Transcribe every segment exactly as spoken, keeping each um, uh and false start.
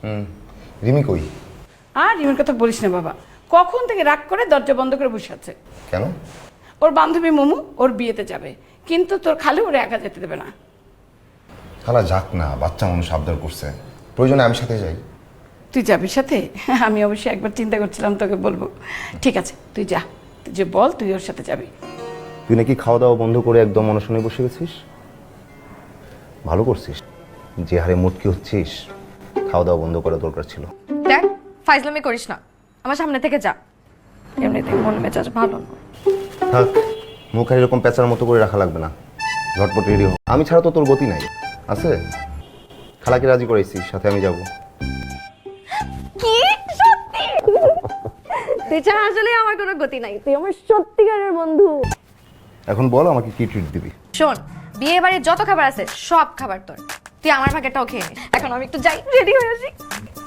হুম রিমি কই? আর রিমির কথা বলিস না বাবা, কখন থেকে রাগ করে দরজা বন্ধ করে বসে আছে। কেন? ওর বান্ধবী মোমু ওর বিয়েতে যাবে, কিন্তু তোর খালু ওরে একা যেতে দেবে না। খালা যাক না, বাচ্চা মানুষ আবদার করছে, প্রয়োজনে আমি সাথে যাই। তুই যাবি সাথে? আমি অবশ্যই একবার চিন্তা করছিলাম তোকে বলবো। ঠিক আছে তুই যা, তুই যে বল তুই ওর সাথে যাবি। তুই নাকি খাওয়া দাওয়া বন্ধ করে একদম অনশনে বসে গেছিস? ভালো করছিস, যে হারে মুটকি হচ্ছিস, খাওয়া দাওয়া বন্ধ করা দরকার ছিল। দেখ ফাইজলামি করিস না, আমার সামনে থেকে যা। এমনিতে মন মেজাজ ভালো না। থাক, মুখ আর এরকম পেঁচার মতো করে রাখা লাগবে না, ঝটপট রেডি হো। আমি ছাড়া তো তোর গতি নাই আছে। খালাকে রাজি করাইছিস, সাথে আমি যাব। কি সত্যি? তুই ছাড়া আসলে আমার কোনো গতি নাই, তুই আমার সত্যিকারের বন্ধু। এখন বল আমাকে কি ট্রিট দিবি? শোন, বিয়ে বাড়ির যত খাবার আছে সব খাবার তোর, তুই আমার ভাগেরটাও খেয়ে নিস। এখন আমি একটু যাই, রেডি হয়ে আসি।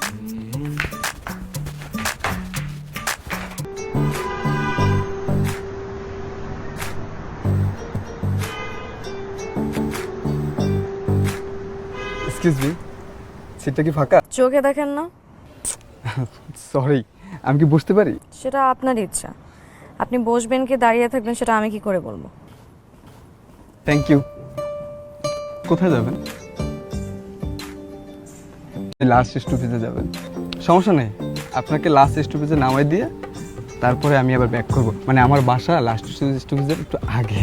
এক্সকিউজ মি, সিটটা কি ফাঁকা? চোখে দেখেন না? সরি, আমি কি বসতে পারি? সেটা আপনার ইচ্ছা, আপনি বসবেন কি দাঁড়িয়ে থাকবেন সেটা আমি কি করে বলবো? Thank you. কোথায় যাবেন? লাস্ট স্টপেজে যাবেন। সমস্যা নেই, আপনাকে লাস্ট স্টপেজে নামাই দিয়ে তারপরে আমি আবার ব্যাক করব। মানে আমার বাসা লাস্ট স্টপেজের একটু আগে।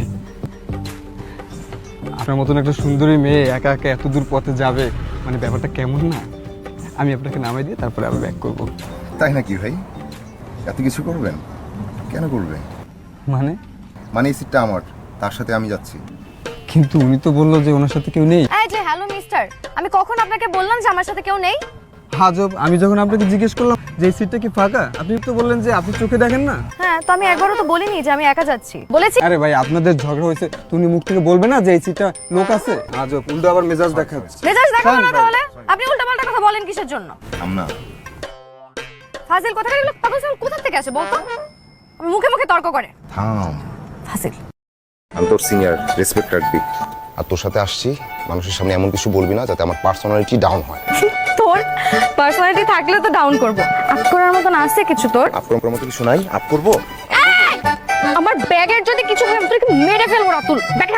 আপনার মতন একটা সুন্দরী মেয়ে একা একা এত দূর পথে যাবে, মানে ব্যাপারটা কেমন না? আমি আপনাকে নামাই দিয়ে তারপরে আবার ব্যাক করব। তাই নাকি ভাই? এত কিছু করবেন? কেন করবেন? মানে মানে এই সিটটা আমার, তার সাথে আমি যাচ্ছি। কিন্তু উনি তো বললো যে ওনার সাথে কেউ নেই। এই যে হ্যালো মিস্টার, আমি কখন আপনাকে বললাম যে আমার সাথে কেউ নেই? হাজব, আমি যখন আপনাকে জিজ্ঞেস করলাম যে এই সিটটা কি ফাঁকা, আপনি তো বললেন যে আপনি চোখে দেখেন না। হ্যাঁ, তো আমি একবারও তো বলিনি যে আমি একা যাচ্ছি, বলেছি। আরে ভাই, আপনাদের ঝগড়া হয়েছে, তুমি মুখ থেকে বলবে না যে এই সিটটা লোক আছে? হাজব, উল্টো আবার মেজাজ দেখাচ্ছে। মেজাজ দেখাবো না তাহলে? আপনি উল্টাপাল্টা কথা বলেন কিসের জন্য? আমনা, ফাজিল কথাটা এগুলো পাগল ছাগল কোথা থেকে আসে বলতো? আমি মুখে মুখে তর্ক করে। থাম। ফাজিল। আমি তোর সিনিয়র, রেসপেক্ট রাখবি। আর তোর সাথে আসছি, মানুষের সামনে এমন কিছু বলবি না যাতে আমার পার্সোনালিটি ডাউন হয়। তোর পার্সোনালিটি থাকলে তো ডাউন করব। আপ করার মতন আছে কিছু তোর? আপ করার মতো কিছু নাই, আপ করবো। আমার ব্যাগের যদি কিছু হয় আমি তোকে মেরে ফেলবো রাতুল। ব্যাগটা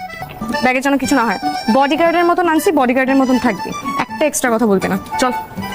ব্যাগের যেন কিছু না হয়। বডিগার্ডের মতন আনছি, বডিগার্ডের মতন থাকবি, একটা এক্সট্রা কথা বলবি না। চল।